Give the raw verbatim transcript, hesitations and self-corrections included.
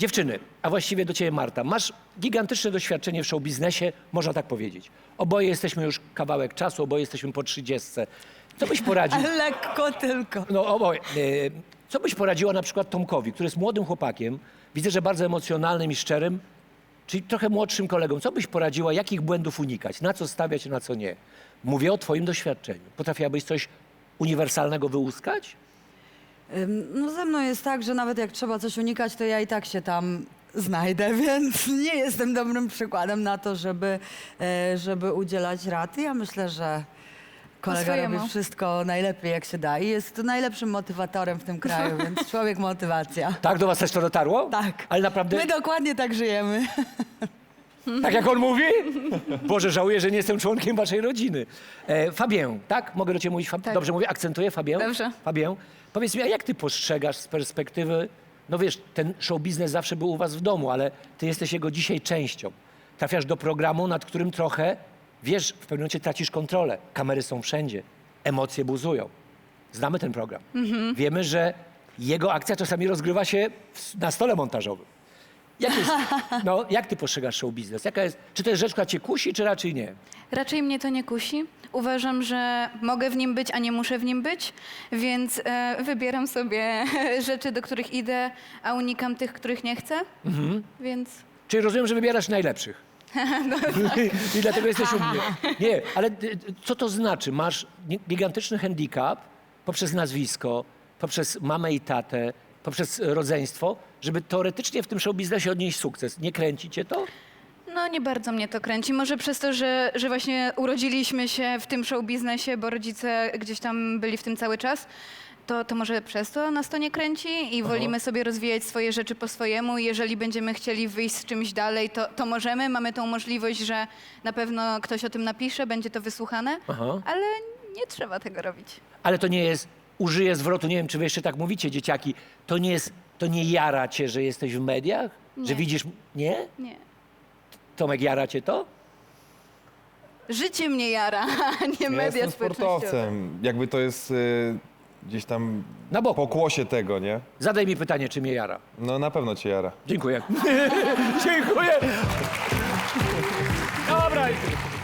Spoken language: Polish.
Dziewczyny, a właściwie do ciebie Marta, masz gigantyczne doświadczenie w show biznesie, można tak powiedzieć. Oboje jesteśmy już kawałek czasu, oboje jesteśmy po trzydziestce. Co byś poradził? Ale lekko tylko. No oboje. E, Co byś poradziła na przykład Tomkowi, który jest młodym chłopakiem, widzę, że bardzo emocjonalnym i szczerym, czyli trochę młodszym kolegą. Co byś poradziła, jakich błędów unikać, na co stawiać, na co nie? Mówię o twoim doświadczeniu. Potrafiłabyś coś uniwersalnego wyłuskać? Ym, No ze mną jest tak, że nawet jak trzeba coś unikać, to ja i tak się tam znajdę, więc nie jestem dobrym przykładem na to, żeby, e, żeby udzielać rad. Ja myślę, że kolega swojemu. robi wszystko najlepiej jak się da i jest najlepszym motywatorem w tym kraju, więc człowiek motywacja. Tak, do was też to dotarło? Tak. Ale naprawdę, My dokładnie tak żyjemy. tak jak on mówi? Boże, żałuję, że nie jestem członkiem waszej rodziny. E, Fabien, tak? Mogę do ciebie mówić? Fab... Tak. Dobrze mówię? Akcentuję Fabien? Dobrze. Fabien, powiedz mi, a jak ty postrzegasz z perspektywy, no wiesz, ten show biznes zawsze był u was w domu, ale ty jesteś jego dzisiaj częścią. Trafiasz do programu, nad którym trochę, wiesz, w pewnym momencie tracisz kontrolę. Kamery są wszędzie, emocje buzują. Znamy ten program. Mhm. Wiemy, że jego akcja czasami rozgrywa się w, na stole montażowym. Jak, jest, no, jak ty postrzegasz show biznes? Jaka jest, czy to jest rzecz, która cię kusi, czy raczej nie? Raczej mnie to nie kusi. Uważam, że mogę w nim być, a nie muszę w nim być, więc e, wybieram sobie rzeczy, do których idę, a unikam tych, których nie chcę. Mhm. Więc Czyli rozumiem, że wybierasz najlepszych. I dlatego jesteś u mnie. Nie, ale y, co to znaczy? Masz gi- gigantyczny handicap poprzez nazwisko, poprzez mamę i tatę, poprzez rodzeństwo, żeby teoretycznie w tym show biznesie odnieść sukces. Nie kręci cię to? no nie bardzo mnie to kręci. Może przez to, że, że właśnie urodziliśmy się w tym show biznesie, bo rodzice gdzieś tam byli w tym cały czas, to, to może przez to nas to nie kręci i wolimy sobie rozwijać swoje rzeczy po swojemu. Jeżeli będziemy chcieli wyjść z czymś dalej, to, to możemy. Mamy tą możliwość, że na pewno ktoś o tym napisze, będzie to wysłuchane, Aha. ale nie trzeba tego robić. Ale to nie jest, użyję zwrotu, nie wiem, czy wy jeszcze tak mówicie, dzieciaki, to nie jest, to nie jara cię, że jesteś w mediach? Że Nie. widzisz, nie? Nie. Tomek, jara cię to? Życie mnie jara, a nie Ja media jestem społecznościowe. sportowcem. Jakby to jest y, gdzieś tam Na boku. pokłosie tego, nie? Zadaj mi pytanie, czy mnie jara. No na pewno cię jara. Dziękuję. Dziękuję. Dobra.